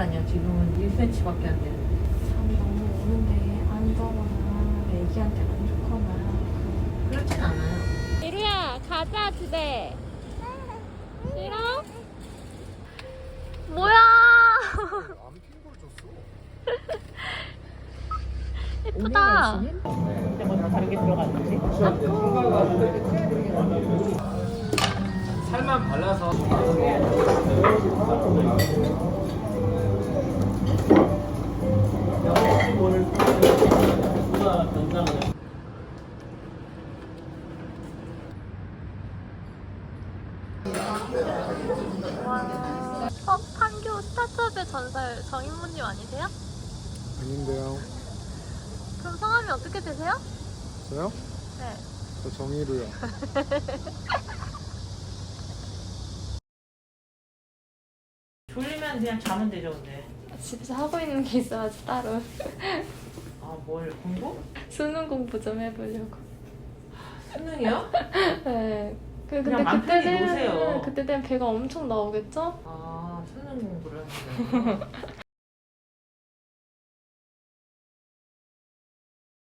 아니야. 지금은 1cm밖에 안 되는데. 잠이 너무 오는데 안 자거나 애기한테 안 좋거나 그렇진 않아요. 이루야 가자 집에. 싫어? 뭐야? 안 핑거를 줬어. 예쁘다. 근데 뭐 다른 게 들어갔는지? 살만 발라서. 판교 스타트업의 전설 정인모님 아니세요? 아닌데요. 그럼 성함이 어떻게 되세요? 저요? 네. 저 정의로요. 졸리면 그냥 자면 되죠, 근데. 집에서 하고 있는 게 있어야지 따로. 아, 뭘, 공부? 수능 공부 좀 해보려고. 수능이요? 네. 근데 그냥 맘 편히 노세요. 그때 되면 배가 엄청 나오겠죠? 아, 수능 공부를 하시네요.